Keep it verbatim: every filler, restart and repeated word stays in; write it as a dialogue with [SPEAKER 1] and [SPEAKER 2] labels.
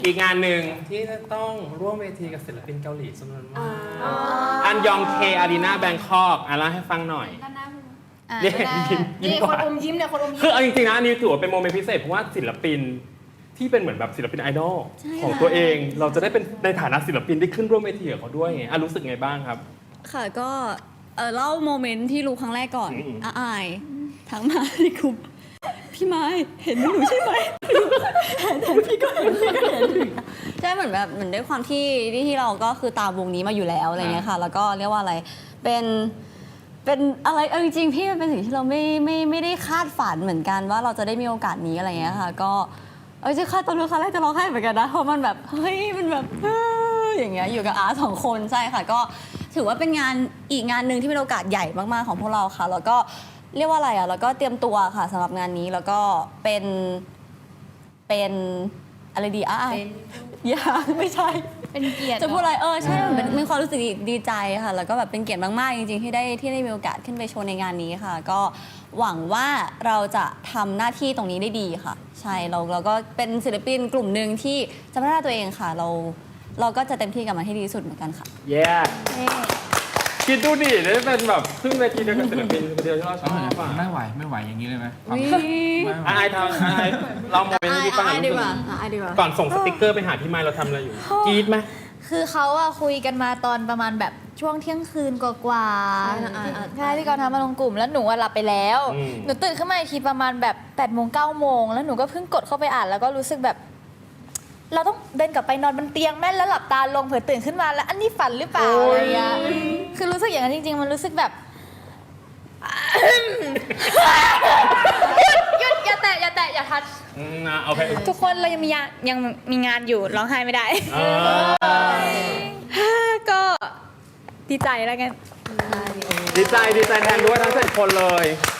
[SPEAKER 1] อีกงานหนึ่งที่จะต้องร่วมเวทีกับศิลปินเกาหลีจำนวนมากอันยองเคอารีนาแบงคอกอ่ะเล่าให้ฟังหน่อยเนี่ยยิ้มยิ้ม
[SPEAKER 2] นี่
[SPEAKER 1] ก่
[SPEAKER 2] ค
[SPEAKER 1] อน น
[SPEAKER 2] อมยิ้มเนี่ยคนอมยิ้ม
[SPEAKER 1] คือเอาจริงๆนะอันนี้ถือว่าเป็นโมเมนต์พิเศษเพราะว่าศิลปินที่เป็นเหมือนแบบศิลปินไอดอลของตัวเองเราจะได้เป็นในฐานะศิลปินได้ขึ้นร่วมเวทีกับเขาด้วยไงอ่ะรู้สึกไงบ้างครับ
[SPEAKER 3] ค่ะก็เออเล่าโมเมนต์ที่รู้ครั้งแรกก่อน
[SPEAKER 1] อืม
[SPEAKER 3] อาอายทั้งมาในกลุ่มพี่ไม้เห็นหนูใช่ไหมเห็นพี่ก็เห็นพี่ก็เห็นใช่เหมือนแบบเหมือนด้วยความที่ที่เราก็คือตามวงนี้มาอยู่แล้วอะไรเงี้ยค่ะแล้วก็เรียกว่าอะไรเป็นเป็นอะไรเออจริงๆพี่มันเป็นสิ่งที่เราไม่ไม่ไม่ได้คาดฝันเหมือนกันว่าเราจะได้มีโอกาสนี้อะไรเงี้ยค่ะก็เออจะคาดตอนรู้ครั้งแรกจะร้องไห้เหมือนกันนะเพราะมันแบบเฮ้ยมันแบบอย่างเงี้ยอยู่กับอาสองคนใช่ค่ะก็ถือว่าเป็นงานอีกงานหนึ่งที่เป็นโอกาสใหญ่มากๆของพวกเราค่ะแล้วก็เรียกว่าอะไรอ่ะแล้วก็เตรียมตัวค่ะสำหรับงานนี้แล้วก็เป็นเป็นอะไรดีอ่ะยังไม่ใช่
[SPEAKER 2] เป็นเกียรติ
[SPEAKER 3] จะพูดอะไรเออใช่มันเป็นมีความรู้สึกดีดีใจค่ะแล้วก็แบบเป็นเกียรติมากๆจริงๆที่ได้ที่ได้มีโอกาสขึ้นไปโชว์ในงานนี้ค่ะ ก็หวังว่าเราจะทำหน้าที่ตรงนี้ได้ดีค่ะ ใช่เราเราก็เป็นศิลปินกลุ่มหนึ่งที่จะพัฒนาตัวเองค่ะ เราเราก็จะเต็มที่กับมันให้ดีที่สุดเหมือนกันค่ะ
[SPEAKER 1] แย่คิดดูดิได้เป็นแบบขึ้นเวทีเดียวกับศิลปินคนเดียวที่เราชอบอ่ะ
[SPEAKER 4] ไม่ไหวไม่ไหวอย่างนี้เลยไหม
[SPEAKER 3] อุ๊ย
[SPEAKER 4] ไม่ไหว
[SPEAKER 1] อายทำอายเราโมเมนต์ที่ฟัง
[SPEAKER 3] อ่ะดีกว่าอ่ะดีกว่า
[SPEAKER 1] ก่อนส่งสติกเกอร์ไปหาพี่ไมค์เราทำอะไรอยู่กรี๊ดไหม
[SPEAKER 2] คือเขาอะคุยกันมาตอนประมาณแบบช่วงเที่ยงคืนกว่าๆใช่ที่เขาทำมาลงกลุ่มแล้วหนูอะหลับไปแล้ว หนูตื่นขึ้นมาอีกทีประมาณแบบ8ปดโมงเก้าโมงแล้วหนูก็เพิ่งกดเข้าไปอ่านแล้วก็รู้สึกแบบ เราต้องเดินกลับไปนอนบนเตียงแม่แล้วหลับตาลงเผื่อตื่นขึ้นมาแล้วอันนี้ฝันหรือเปล่าอะไรอย่างเงี้ยคือรู้สึกอย่างนั้นจริงๆมันรู้สึกแบบ หยุดหยุดอย่าแตะอย่าแตะอย่าทัช
[SPEAKER 1] อืมนะโอเค
[SPEAKER 2] ทุกคนเรายังมีงานยังมีงานอยู่ร้องไห้ไม่ได้
[SPEAKER 1] เออ
[SPEAKER 2] ก็ดีใจแล้วกัน
[SPEAKER 1] ดีใจดีใจแทนด้วยทั้งเจ็ดคนเลย